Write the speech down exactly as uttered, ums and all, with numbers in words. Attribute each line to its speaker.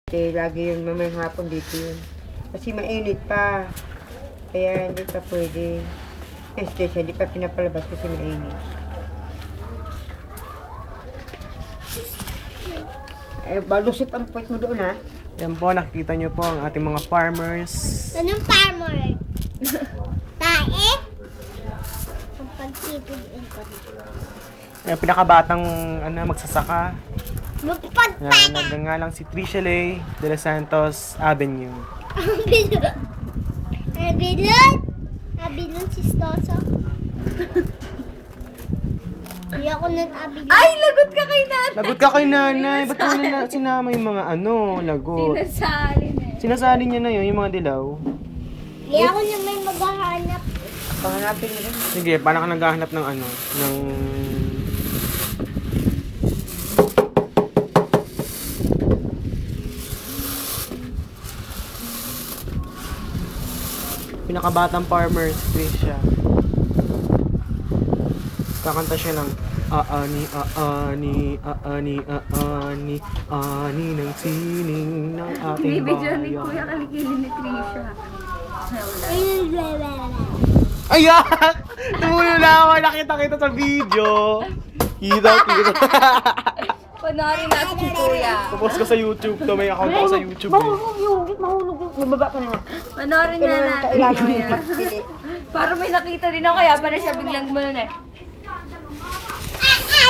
Speaker 1: Kasi lagi yun mamayang hapon dito yun. Kasi mainit pa. Kaya hindi pa pwede. Este siya, hindi pa pinapalabas kasi mainit. Eh, balusip ang puwet mo doon ha.
Speaker 2: Yan po, nakikita nyo po ang ating mga farmers.
Speaker 3: Anong farmer? Tae? Ang pagtitid ko.
Speaker 2: Yung pinakabatang ano, magsasaka.
Speaker 3: Magpagpaga!
Speaker 2: Yan, nagngangalang si Tricia Lay de los Santos Avenue.
Speaker 3: Abilon! Abilon! Abilon si Stoso. Hindi ako nag-abilon.
Speaker 4: Ay, lagot ka kay nanay.
Speaker 2: Lagot ka kay nanay. Ba't mo na sinama yung mga ano, lagot?
Speaker 4: Sinasalin eh.
Speaker 2: Sinasali niya na yun, yung mga dilaw.
Speaker 3: Hindi ako na may maghahanap.
Speaker 1: Panganapin mo rin.
Speaker 2: Sige, paano ka naghahanap ng ano, ng... Pinakabatang farmer, si Tricia. Kakanta siya ng aani, aani, aani, aani, aani ng sining ng ating
Speaker 4: Bibidyo ni
Speaker 2: bayan.
Speaker 4: Kuya Kalikili ni Trisha.
Speaker 2: Ayan! Tumulo na ako, nakita kita sa video. Kita, kita.
Speaker 4: Panoorin natin si Kuya.
Speaker 2: Tapos ko sa YouTube to, may account ako sa YouTube. Eh.
Speaker 1: Mahulog yung, mahulog yung. Bumaba ka na nga.
Speaker 4: Panoorin na natin
Speaker 1: Kailangan
Speaker 4: Kuya.
Speaker 1: yung pagpili.
Speaker 4: Para may nakita din ako, kaya pa na siya biglang gumano eh.